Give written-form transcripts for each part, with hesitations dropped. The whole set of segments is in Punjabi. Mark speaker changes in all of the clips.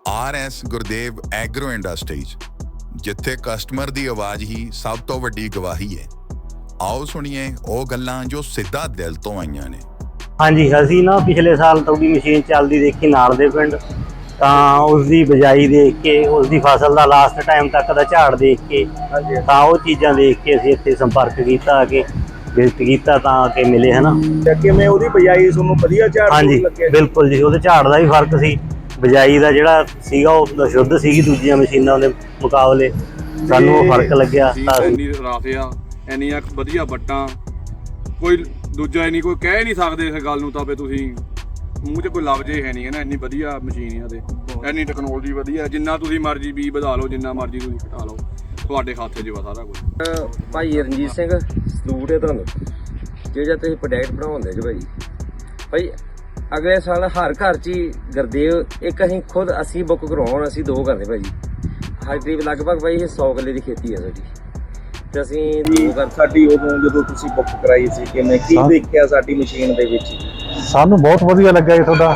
Speaker 1: RS ਗੁਰਦੇਵ ਐਗਰੋ ਇੰਡਸਟਰੀਜ਼, ਜਿੱਥੇ ਕਸਟਮਰ ਦੀ ਆਵਾਜ਼ ਹੀ ਸਭ ਤੋਂ ਵੱਡੀ ਗਵਾਹੀ ਹੈ। ਆਓ ਸੁਣੀਏ ਉਹ ਗੱਲਾਂ ਜੋ ਸਿੱਧਾ ਦਿਲ ਤੋਂ ਆਈਆਂ ਨੇ।
Speaker 2: ਹਾਂਜੀ, ਅਸੀਂ ਨਾ ਪਿਛਲੇ ਸਾਲ ਤੁਹਾਡੀ ਮਸ਼ੀਨ ਚੱਲਦੀ ਦੇਖੀ ਨਾਲ ਦੇ ਪਿੰਡ, ਤਾਂ ਉਸ ਦੀ ਬਿਜਾਈ ਦੇਖ ਕੇ, ਉਸ ਦੀ ਫਸਲ ਦਾ ਲਾਸਟ ਟਾਈਮ ਤੱਕ ਦਾ ਝਾੜ ਦੇਖ ਕੇ, ਤਾਂ ਉਹ ਚੀਜ਼ਾਂ ਦੇਖ ਕੇ ਅਸੀਂ ਇੱਥੇ ਸੰਪਰਕ ਕੀਤਾ, ਕਿ ਵਿਜ਼ਿਟ ਕੀਤਾ, ਤਾਂ ਆ ਕੇ ਮਿਲੇ ਹੈ ਨਾ।
Speaker 3: ਕਿਵੇਂ ਉਹਦੀ ਬਿਜਾਈ ਤੁਹਾਨੂੰ ਵਧੀਆ ਝਾੜ
Speaker 2: ਹਾਂਜੀ
Speaker 3: ਲੱਗਿਆ?
Speaker 2: ਬਿਲਕੁਲ ਜੀ, ਉਹਦੇ ਝਾੜ ਦਾ ਵੀ ਫਰਕ ਸੀ, ਬਿਜਾਈ ਦਾ ਜਿਹੜਾ ਸੀਗਾ ਉਹ ਸ਼ੁੱਧ ਸੀਗੀ ਦੂਜੀਆਂ ਮਸ਼ੀਨਾਂ ਦੇ ਮੁਕਾਬਲੇ, ਸਾਨੂੰ ਉਹ ਫਰਕ ਲੱਗਿਆ।
Speaker 4: ਇੰਨੀ ਰਾਫਿਆ, ਇੰਨੀਆਂ ਵਧੀਆ ਵੱਟਾਂ, ਕੋਈ ਦੂਜਾ ਹੀ ਨਹੀਂ, ਕੋਈ ਕਹਿ ਨਹੀਂ ਸਕਦੇ ਇਸ ਗੱਲ ਨੂੰ ਤਾਂ ਵੀ ਤੁਸੀਂ ਮੂੰਹ 'ਚ ਕੋਈ ਲਫ਼ਜ਼ ਹੈ ਨਹੀਂ ਹੈ ਨਾ। ਇੰਨੀ ਵਧੀਆ ਮਸ਼ੀਨ ਆ ਤੇ ਇੰਨੀ ਟੈਕਨੋਲੋਜੀ ਵਧੀਆ, ਜਿੰਨਾ ਤੁਸੀਂ ਮਰਜ਼ੀ ਬੀ ਵਧਾ ਲਓ, ਜਿੰਨਾ ਮਰਜ਼ੀ ਤੁਸੀਂ ਘਟਾ ਲਓ, ਤੁਹਾਡੇ ਹੱਥ 'ਚ ਵਾ ਸਾਰਾ ਕੁਝ।
Speaker 5: ਭਾਈ ਰਣਜੀਤ ਸਿੰਘ ਸਲੂਟ ਹੈ ਤੁਹਾਨੂੰ, ਜਿਹੜਾ ਤੁਸੀਂ ਪ੍ਰੋਡਕਟ ਬਣਾਉਂਦੇ ਜੀ ਭਾਈ। ਅਗਲੇ ਸਾਲ ਹਰ ਘਰ 'ਚ ਹੀ ਗੁਰਦੇਵ ਇੱਕ ਅਸੀਂ ਬੁੱਕ ਕਰਵਾਉਣ, ਅਸੀਂ 2 ਕਰਦੇ ਭਾਈ। ਹਰ ਕਰੀਬ ਲਗਭਗ ਭਾਈ 100 ਕਿੱਲੇ ਦੀ ਖੇਤੀ ਹੈ ਸਾਡੀ, ਤੇ ਅਸੀਂ 2 ਘਰ।
Speaker 3: ਸਾਡੀ ਉਦੋਂ ਜਦੋਂ ਤੁਸੀਂ ਬੁੱਕ ਕਰਾਈ ਸੀ, ਕਿਵੇਂ ਕੀ ਦੇਖਿਆ ਸਾਡੀ ਮਸ਼ੀਨ ਦੇ ਵਿੱਚ?
Speaker 6: ਸਾਨੂੰ ਬਹੁਤ ਵਧੀਆ ਲੱਗਾ ਜੀ ਤੁਹਾਡਾ।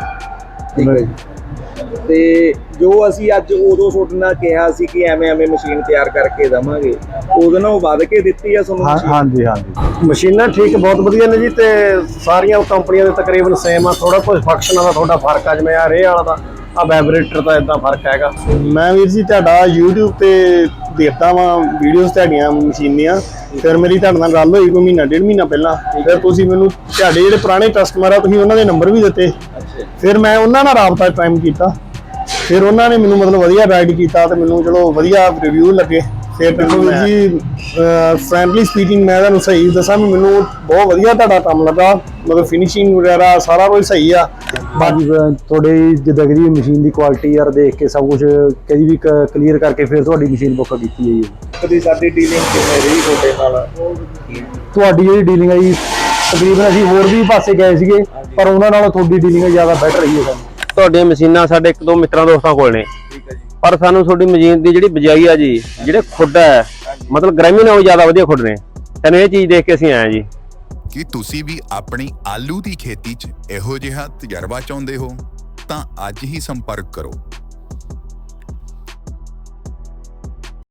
Speaker 3: ਠੀਕ ਹੈ ਜੀ। ਤੇ ਜੋ ਅਸੀਂ ਅੱਜ ਉਦੋਂ ਤੁਹਾਡੇ ਨਾਲ ਕਿਹਾ ਸੀ ਕਿ ਐਵੇਂ ਮਸ਼ੀਨ ਤਿਆਰ ਕਰਕੇ ਦੇਵਾਂਗੇ, ਉਹਦੇ ਨਾਲ ਵੱਧ ਕੇ ਦਿੱਤੀ ਆ ਤੁਹਾਨੂੰ?
Speaker 6: ਹਾਂਜੀ ਹਾਂਜੀ, ਮਸ਼ੀਨਾਂ ਠੀਕ ਬਹੁਤ ਵਧੀਆ ਨੇ ਜੀ, ਤੇ ਸਾਰੀਆਂ ਕੰਪਨੀਆਂ ਦੇ ਤਕਰੀਬਨ ਸੇਮ ਆ। ਥੋੜਾ ਕੁਝ ਫੰਕਸ਼ਨਾਂ ਦਾ ਤੁਹਾਡਾ ਫਰਕ ਆ, ਜਿਵੇਂ ਆ ਰੇਹ ਵਾਲਾ ਦਾ ਆ ਵਾਈਬ੍ਰੇਟਰ ਦਾ ਇਦਾਂ ਫਰਕ ਹੈਗਾ। ਮੈਂ ਵੀਰ ਜੀ ਤੁਹਾਡਾ YouTube ਤੇ ਦੇਖਦਾ ਵਾਂ ਵੀਡੀਓਜ਼ ਤੁਹਾਡੀਆਂ ਮਸ਼ੀਨੀਆਂ, ਫਿਰ ਮੇਰੀ ਤੁਹਾਡੇ ਨਾਲ ਗੱਲ ਹੋਈ ਕੋਈ 1.5 ਮਹੀਨਾ ਪਹਿਲਾਂ। ਫਿਰ ਤੁਸੀਂ ਮੈਨੂੰ ਤੁਹਾਡੇ ਜਿਹੜੇ ਪੁਰਾਣੇ ਕਸਟਮਰ ਆ, ਤੁਸੀਂ ਉਹਨਾਂ ਦੇ ਨੰਬਰ ਵੀ ਦਿੱਤੇ। ਫਿਰ ਮੈਂ ਉਹਨਾਂ ਨਾਲ ਰਾਬਤਾ ਕਾਇਮ ਕੀਤਾ, ਫਿਰ ਉਹਨਾਂ ਨੇ ਮੈਨੂੰ ਮਤਲਬ ਵਧੀਆ ਗਾਈਡ ਕੀਤਾ, ਤੇ ਮੈਨੂੰ ਚਲੋ ਵਧੀਆ ਰਿਵਿਊ ਲੱਗੇ। ਫਿਰ ਮੈਨੂੰ ਵੀਰ ਜੀ ਫਰੈਂਡਲੀ ਸਪੀਕਿੰਗ, ਮੈਂ ਤੁਹਾਨੂੰ ਸਹੀ ਦੱਸਾਂ ਵੀ ਮੈਨੂੰ ਬਹੁਤ ਵਧੀਆ ਤੁਹਾਡਾ ਕੰਮ ਲੱਗਾ, ਮਤਲਬ ਫਿਨਿਸ਼ਿੰਗ ਵਗੈਰਾ ਸਾਰਾ ਕੁਝ ਸਹੀ ਆ। ਬਾਕੀ ਤੁਹਾਡੇ ਜਿੱਦਾਂ ਕਿ ਮਸ਼ੀਨ ਦੀ ਕੁਆਲਿਟੀ ਯਾਰ ਦੇਖ ਕੇ ਸਭ ਕੁਝ ਕਦੀ ਵੀ ਕਲੀਅਰ ਕਰਕੇ ਫਿਰ ਤੁਹਾਡੀ ਮਸ਼ੀਨ ਬੁੱਕ ਕੀਤੀ ਹੈ ਜੀ।
Speaker 3: ਕਦੀ ਸਾਡੀ ਡੀਲਿੰਗ ਕਿਵੇਂ ਰਹੀ ਤੁਹਾਡੇ ਨਾਲ?
Speaker 6: ਤੁਹਾਡੀ ਜਿਹੜੀ ਡੀਲਿੰਗ ਹੈ ਜੀ, ਤਕਰੀਬਨ ਅਸੀਂ ਹੋਰ ਵੀ ਪਾਸੇ ਗਏ ਸੀਗੇ, ਪਰ ਉਹਨਾਂ ਨਾਲੋਂ ਤੁਹਾਡੀ ਡੀਲਿੰਗ ਜ਼ਿਆਦਾ ਬੈਟਰ ਰਹੀ ਹੈ ਸਾਨੂੰ।
Speaker 5: ਤੁਹਾਡੀਆਂ ਮਸ਼ੀਨਾਂ ਸਾਡੇ 1-2 ਮਿੱਤਰਾਂ ਦੋਸਤਾਂ ਕੋਲ ਨੇ, ਪਰ ਸਾਨੂੰ ਤੁਹਾਡੀ ਮਸ਼ੀਨ ਦੀ ਜਿਹੜੀ ਬਿਜਾਈ ਆ ਜੀ, ਜਿਹੜੇ ਖੁੱਡ ਹੈ ਮਤਲਬ ਗ੍ਰਾਮੀ ਨਾਲੋਂ ਜ਼ਿਆਦਾ ਵਧੀਆ ਖੁੱਡ ਨੇ। ਤੈਨੂੰ ਇਹ ਚੀਜ਼ ਦੇਖ ਕੇ ਅਸੀਂ ਆਏ ਜੀ।
Speaker 1: ਕੀ ਤੁਸੀਂ ਵੀ ਆਪਣੀ ਆਲੂ ਦੀ ਖੇਤੀ 'ਚ ਇਹੋ ਜਿਹਾ ਤਜਰਬਾ ਚਾਹੁੰਦੇ ਹੋ ਤਾਂ ਅੱਜ ਹੀ ਸੰਪਰਕ ਕਰੋ।